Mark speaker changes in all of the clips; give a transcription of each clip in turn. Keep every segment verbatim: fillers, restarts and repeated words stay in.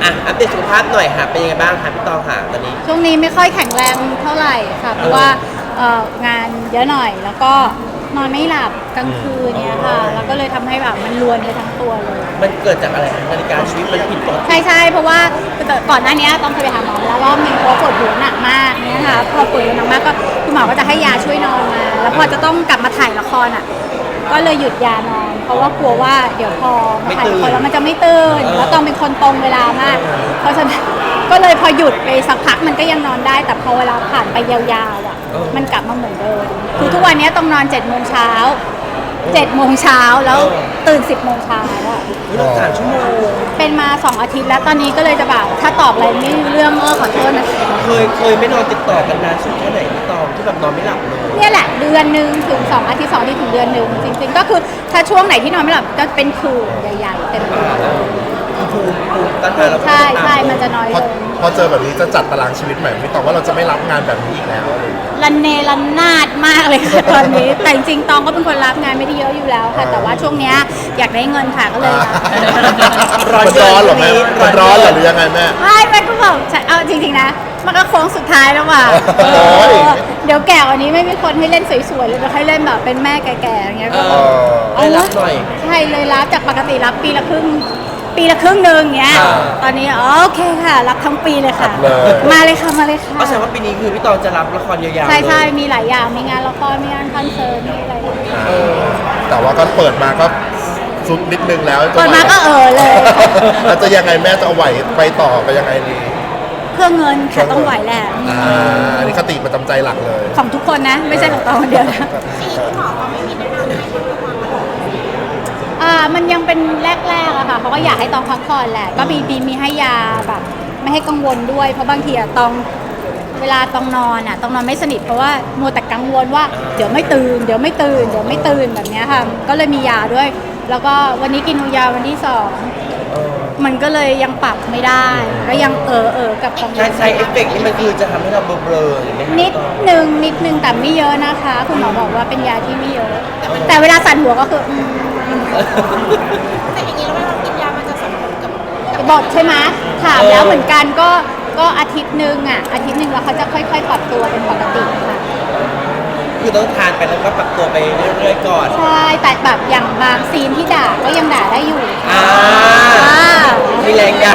Speaker 1: อ่ะอัปเดตสุขภาพหน่อยค่ะเป็นยังไงบ้างคะพี่ตองค่ะตอนนี้
Speaker 2: ช่วงนี้ไม่ค่อยแข็งแรงเท่าไหร่ค่ะเพราะว่าเอ่องานเยอะหน่อยแล้วก็นอนไม่หลับกลางคืนเนี่ยค่ะแล้วก็เลยทำให้แบบมันรวนไปทั้งตัวเลย
Speaker 1: มันเกิดจากอะไรคะนาฬิกาชีวิตมันผิดปกติ
Speaker 2: ใช่ใช่เพราะว่าก่อนหน้านี้ต้องเคยไปหาหมอแล้วรอบนึงเพราะปวดหัวหนักมากเนี่ยค่ะพอปวดหัวหนักมากก็คุณหมอก็จะให้ยาช่วยนอนมาแล้วพอจะต้องกลับมาถ่ายละครอ่ะก็เลยหยุดยานอนเพราะว่ากลัวว่าเดี๋ยวพอมาถ่ายละครแล้วมันจะไม่ตื่นแล้วต้องเป็นคนตรงเวลามากเพราะฉะนั้นก็เลยพอหยุดไปสักพักมันก็ยังนอนได้แต่พอเวลาผ่านไปยาวๆอ่ะมันกลับมาเหมือนเดิมคือทุกวันนี้ต้องนอนเจ็ดโมงเช้าเจ็ดโมงเช้าแล้วตื่นสิบโมงเช้าอ่ะ
Speaker 1: สามชั่วโมง
Speaker 2: เป็นมาสองอาทิตย์แล้วตอนนี้ก็เลยจะแบบถ้าตอบอะไรไม่รู้เรื่องเออขอโทษนะ
Speaker 1: เคยเคยไม่นอนติดต่อกันนานสุดแค่ไหนพี่ตองที่แบบนอนไม่หลับเลย
Speaker 2: เนี่ยแหละเดือนหนึ่งถึงสองอาทิตย์สองอาทิตย์ถึงเดือนหนึ่งจริงๆก็คือถ้าช่วงไหนที่นอนไม่หลับก็เป็นคืนใหญ่ๆเต็มตัว
Speaker 1: ภูมิภูมิต้านทานเรา
Speaker 2: ใช่ใช่มันจะน้อยลง
Speaker 3: พอเจอแบบนี้จะจัดตารางชีวิตใหม่พี่ตองว่าเราจะไม่รับงานแบบนี้อีกแล้ว
Speaker 2: รันเนรันนาดมากเลยค่ะตอนนี้แต่จริงๆตองก็เป็นคนรับงานไม่ได้เยอะอยู่แล้วค่ะแต่ว่าช่วงเนี้ยอยากได้เงินค่ะก็เลย
Speaker 3: ร้อนร้อนหรอแม่มันร้อนหรือยังไงแม่
Speaker 2: ไม่แม่ก็บอกเอาจริงๆนะมันก็โค้งสุดท้ายแล้วว่ะเดี๋ยวแก่วันนี้ไม่มีคนให้เล่นสวยๆเลยเดี๋ยวให้เล่นแบบเป็นแม่แก่ๆอย่างเงี้ยก็
Speaker 1: เอารับหน่อย
Speaker 2: ใช่เลยรับจากปกติรับปีละครึ่งปีละครึ่งหนึ่งเงี้ยตอนนี้โอเคค่ะรับทั้งปีเลยค่ะมาเลยค่ะมาเลยค่ะ
Speaker 1: ก็แสดงว่าปีนี้คือพี่ตองจะรับละครยาวๆ
Speaker 2: ใช่ใช่มีหลายอย่างมีงานละครมีงานคอนเสิร์ตมีอะไร
Speaker 3: แต่ว่าก็เปิดมาก็สุดนิดนึงแล้ว
Speaker 2: เปิดมาก็เออเลย
Speaker 3: เราจะยังไงแม่จะเอาไหวไปต่อไปยังไงดี
Speaker 2: เพื่อเงินค่ะต้องไหวแหละ
Speaker 3: อันนี้คติประจำใจหลักเลย
Speaker 2: ของทุกคนนะไม่ใช่ของตองคนเดียวนะอ่ามันยังเป็นแรกๆอะค่ะเขาก็อยากให้ตองพักผ่อนแหละก็มีมีให้ยาแบบไม่ให้กังวลด้วยเพราะบางทีอะตองเวลาตองนอนอะตองนอนไม่สนิทเพราะว่ามัวแต่กังวลว่าเดี๋ยวไม่ตื่นเดี๋ยวไม่ตื่นเดี๋ยวไม่ตื่นแบบนี้ค่ะก็เลยมียาด้วยแล้วก็วันนี้กินยาวันที่สองมันก็เลยยังปรับไม่ได้ก็ยังเออเออกับกังวล
Speaker 1: ใช้เอฟเฟกต์นี่มันคือจะทำให้เราเบลอๆอย่างนี้
Speaker 2: นิดนึงนิดนึงแต่ไม่เยอะนะคะคุณหมอบอกว่าเป็นยาที่ไม่เยอะแต่เวลาสั่นหัวก็คือ
Speaker 4: แต่อย่างนี้แล้วเวลาเรากินยามันจะส่งผลกับ
Speaker 2: บอกใช่ไหมถามแล้วเหมือนกันก็ก็อาทิตย์หนึ่งอ่ะอาทิตย์หนึ่งแล้วเขาจะค่อยๆปรับตัวเป็นปกติค่ะ
Speaker 1: คือต้องทานไปแล้วก็ปรับตัวไปเรื่อยๆก่อน
Speaker 2: ใช่แต่แบบอย่างบางซีนที่ด่าก็ยังด่าได้อยู่
Speaker 1: อ่ามีแรงด่า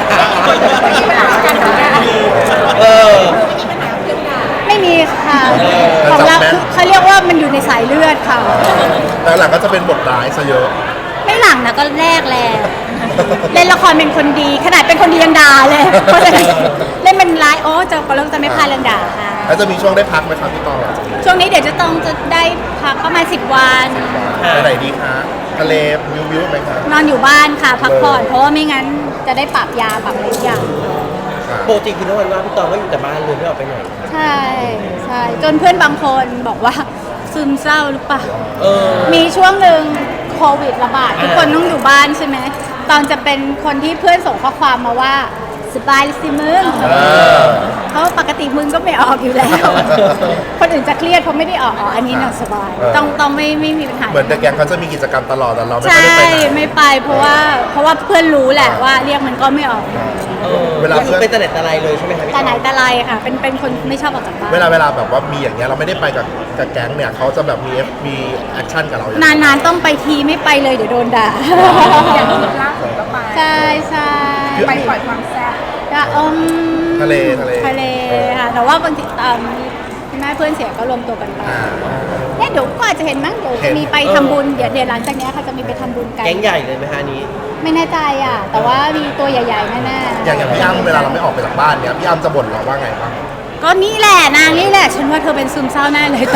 Speaker 1: เออ
Speaker 2: ไม่มีค่ะของเราเขาเรียกว่ามันอยู่ในสายเลือดค่ะ
Speaker 3: แต่หลังก็จะเป็นบทร้ายซะเยอะ
Speaker 2: ไม่หลังนะก็แรกแล้วเล่นละครเป็นคนดีขนาดเป็นคนดียังด่าเลยเพราะฉะนั้นเล่นเป็นร้ายโอ้จะก็เริ่มจะไม่พลาดเรื่องด่าค่ะ
Speaker 3: แล้วจะมีช่วงได้พักไหมครับพี่ตอง
Speaker 2: ช่วงนี้เดี๋ยวจะต้องจะได้พักประมาณสิบวัน
Speaker 3: ไปไหนดีคะทะเลวิววิวไหมคะ
Speaker 2: นอนอยู่บ้านค่ะพักผ่อนเพราะว่าไม่งั้นจะได้ปรับยาปรับอะไรอย่าง
Speaker 1: ปกติคือทุกวันว่าพี่ตองก็อยู่แต่บ้านเลยไม่ออกไปไหน
Speaker 2: ใช่ใช่จนเพื่อนบางคนบอกว่าซึมเศร้าหรือเปล่ามีช่วงหนึ่งโควิดระบาดทุกคนต้องอยู่บ้านใช่ไหมตอนจะเป็นคนที่เพื่อนส่งข้อความมาว่าสบายสิมึงเพราะปกติมึงก็ไม่ออกอยู่แล้วคนอื่นจะเครียดเพราะไม่ได้ออกอ๋ออันนี้น่ะสบายต้องต้องไม่ไม่มีปัญหา
Speaker 3: เหมือนแต่แกงเขาจะมีกิจกรรมตลอดแต่เราไม่
Speaker 2: ได้ไปไหนไม่ไปเพราะว่าเพราะว่าเพื่อนรู้แหละว่าเรียกมันก็ไม่ออก
Speaker 1: เวลาคือเป็นตะเน็ตตะไลเลยใช่ไหมครับ
Speaker 2: ตะไหนตะไลค่ะเป็นเป็นคนไม่ชอบออกจากบ้าน
Speaker 3: เวลาเวลาแบบว่ามีอย่างเงี้ยเราไม่ได้ไปกับกับแก๊งเนี่ยเขาจะแบบมีมีแอคชั่นกับเรา
Speaker 2: นานๆต้องไปทีไม่ไปเลยเดี๋ยวโดนด่า
Speaker 4: อย่างที่ล่าสุดก็ไป
Speaker 2: ใช่ใช่
Speaker 4: ไปปล่อยความแซ่บ
Speaker 2: อม
Speaker 3: ทะเลทะเล
Speaker 2: ทะเลค่ะแต่ว่าบางทีคุณแม่เพื่อนเสียก็รวมตัวกันไปเนี่ยเดี๋ยวก็อาจจะเห็นมั้งเดี๋ยวจะมีไปทำบุญเดี๋ยวเดี๋ยวหลังจากนี้ค่ะจะมีไปทำบุญกัน
Speaker 1: แก๊งใหญ่เลยไหมฮะนี้
Speaker 2: ไม่แน่ใจอ่ะแต่ว่ามีตัวใหญ่ๆแน่
Speaker 3: ๆอย่างอย่างพี่อ้ำเวลาเราไม่ออกไปจากบ้านเนี่ยพี่อ้ำจะบ่นเราว่าไงบ้าง
Speaker 2: ก็นี่แหละนางนี่แหละฉันว่าเธอเป็นซึมเศร้าแน่เลยตอน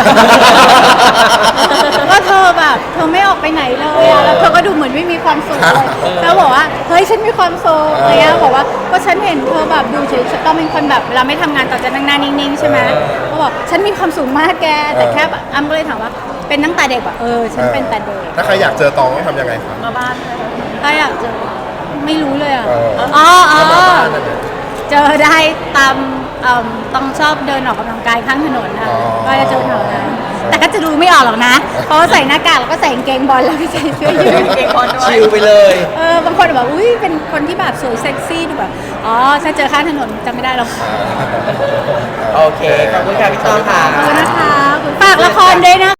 Speaker 2: ว่าเธอแบบเธอไม่ออกไปไหนเลยอะแล้วเธอก็ดูเหมือนไม่มีความสุขเลยแล้วบอกว่าเฮ้ยฉันมีความสุขอะไรเงี้ยบอกว่าก็ฉันเห็นเธอแบบดูเฉยๆต้องเป็นคนแบบเราไม่ทำงานต่อจะนั่งหน้านิ่งๆใช่ไหมก็บอกฉันมีความสุขมากแกแต่แค่แบบอ้ำก็เลยถามว่าเป็นตั้งแต่เด็กแบบเออฉันเป็นแต่เด็ก
Speaker 3: ถ้าใครอยากเจอตองต้องทำยังไงครับ
Speaker 4: มาบ้าน
Speaker 2: ถ้าอยากเจอไม่รู้เลยอ่ะอ๋ออ๋อเจอได้ตามต้องชอบเดินออกกำลังกายข้างถนนค่ะก็จะเจอแถวนั้นแต่ก็จะดูไม่ออกหรอกนะ เพราะว่าใส่หน้ากากแล้วก็ใส่กางเกงบอลแล้วก็ใส่เสื้อยืด
Speaker 4: เก่งคนด้วย
Speaker 1: ชิลไปเลย
Speaker 2: เออบางคนแบบอุ้ยเป็นคนที่แบบสวยเซ็กซี่ดูแบบอ๋อถ้าเจอข้างถนนจำไม่ได้หรอก
Speaker 1: โอเค ขอบคุณค่ะพี่ตองค่ะ
Speaker 2: ขอบคุณนะคะฝากละครด้วยนะ